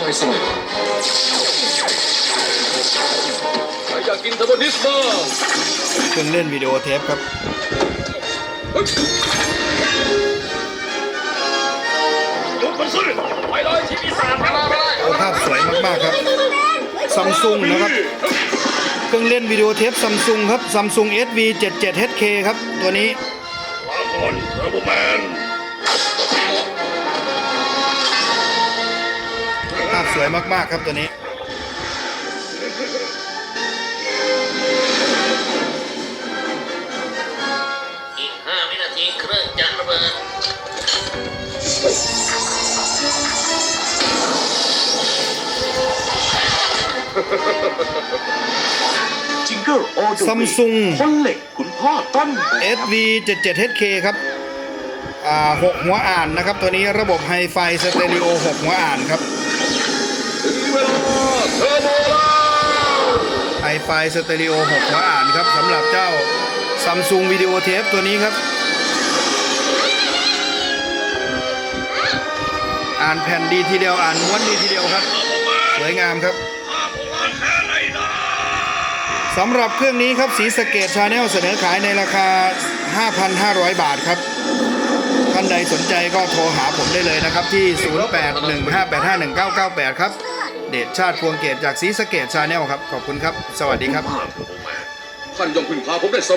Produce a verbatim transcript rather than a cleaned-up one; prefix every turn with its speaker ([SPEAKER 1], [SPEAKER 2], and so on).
[SPEAKER 1] สงบ
[SPEAKER 2] ใครอยากกินเทอร์โบดิสบ้าง
[SPEAKER 3] เครื่องเล่นวิดีโอเทปครับ
[SPEAKER 2] ยุบมันสิไปเลยที่ปีศาจมาไปเลย
[SPEAKER 3] โอ้ภาพสวยมากๆครับซัมซุงนะครับเครื่องเล่นวิดีโอเทปซัมซุงครับซัมซุง เอส วี เจ็ดสิบเจ็ด เอช เค ครับตัวนี้
[SPEAKER 2] ลาก่อนเทอร์โบแมน
[SPEAKER 3] ภาพสวยมากๆครับตัวนี้
[SPEAKER 4] อีกห้าวินาทีเครื่องจะระเบิด
[SPEAKER 1] จิงเกิลออโด
[SPEAKER 3] ซัมซุง
[SPEAKER 1] คนเหล็กคุณพ่อต้น
[SPEAKER 3] เอส วี เจ็ดสิบเจ็ด เอช เค ครับอ่าหกหัวอ่านนะครับตัวนี้ระบบไฮไฟสเตอริโอหกหัวอ่านครับ
[SPEAKER 2] ถึงเวลาเทอร์โบแล้ว
[SPEAKER 3] ไฮไฟสเตอริโอหกหัวอ่านครับสำหรับเจ้าซัมซุงวิดีโอเทปตัวนี้ครับอ่านแผ่นดีทีเดียวอ่านม้วนดีทีเดียวครับสวยงามครับสำหรับเครื่องนี้ครับศรีสะเกษ Channel เสนอขายในราคา ห้าพันห้าร้อย บาทครับท่านใดสนใจก็โทรหาผมได้เลยนะครับที่ ศูนย์ แปด หนึ่ง ห้า แปด ห้า หนึ่ง เก้า เก้า แปด ครับเดชชาติพวงเกตจากศรีสะเกษ Channel ครับขอบคุณครับสวัสดีครับ
[SPEAKER 2] ท่านย่อมพึ่งพาผมได้เสมอ